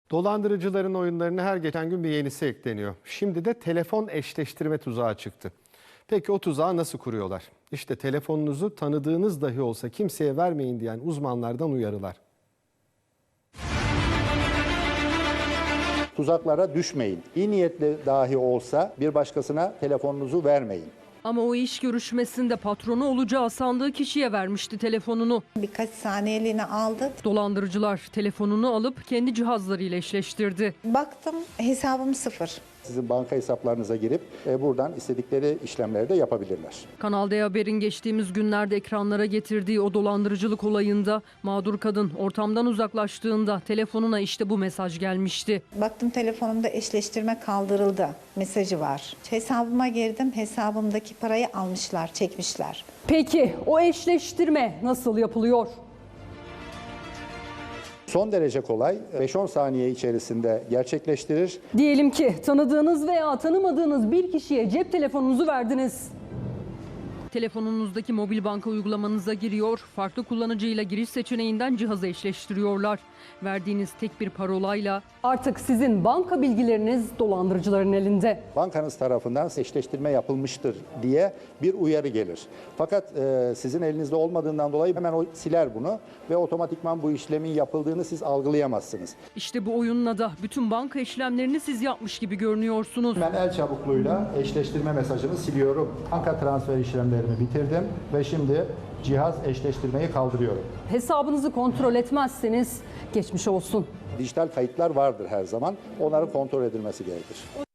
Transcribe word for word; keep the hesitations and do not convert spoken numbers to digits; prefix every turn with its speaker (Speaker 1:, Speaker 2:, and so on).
Speaker 1: Dolandırıcıların oyunlarına her geçen gün bir yenisi ekleniyor. Şimdi de telefon eşleştirme tuzağı çıktı. Peki o tuzağı nasıl kuruyorlar? İşte telefonunuzu tanıdığınız dahi olsa kimseye vermeyin diyen uzmanlardan uyarılar.
Speaker 2: Tuzaklara düşmeyin. İyi niyetli dahi olsa bir başkasına telefonunuzu vermeyin.
Speaker 3: Ama o iş görüşmesinde patronu olacağı sandığı kişiye vermişti telefonunu.
Speaker 4: Birkaç saniyeliğine aldı.
Speaker 3: Dolandırıcılar telefonunu alıp kendi cihazlarıyla eşleştirdi.
Speaker 4: Baktım hesabım sıfır.
Speaker 2: Sizin banka hesaplarınıza girip e, buradan istedikleri işlemleri de yapabilirler.
Speaker 3: Kanal D Haber'in geçtiğimiz günlerde ekranlara getirdiği o dolandırıcılık olayında mağdur kadın ortamdan uzaklaştığında telefonuna işte bu mesaj gelmişti.
Speaker 4: Baktım telefonumda eşleştirme kaldırıldı mesajı var. Hesabıma girdim, hesabımdaki parayı almışlar, çekmişler.
Speaker 5: Peki o eşleştirme nasıl yapılıyor?
Speaker 2: Son derece kolay, beş on saniye içerisinde gerçekleştirir.
Speaker 5: Diyelim ki tanıdığınız veya tanımadığınız bir kişiye cep telefonunuzu verdiniz.
Speaker 3: Telefonunuzdaki mobil banka uygulamanıza giriyor, farklı kullanıcıyla giriş seçeneğinden cihazı eşleştiriyorlar. Verdiğiniz tek bir parolayla
Speaker 5: Artık sizin banka bilgileriniz dolandırıcıların elinde.
Speaker 2: Bankanız tarafından eşleştirme yapılmıştır diye bir uyarı gelir. Fakat e, sizin elinizde olmadığından dolayı hemen o siler bunu ve otomatikman bu işlemin yapıldığını siz algılayamazsınız.
Speaker 3: işte bu oyunla da bütün banka işlemlerini siz yapmış gibi görünüyorsunuz.
Speaker 2: Ben el çabukluğuyla eşleştirme mesajını siliyorum. Banka transfer işlemlerimi bitirdim ve şimdi cihaz eşleştirmeyi kaldırıyorum.
Speaker 5: Hesabınızı kontrol etmezseniz geçmiş olsun.
Speaker 2: Dijital kayıtlar vardır her zaman. Onların kontrol edilmesi gerekir.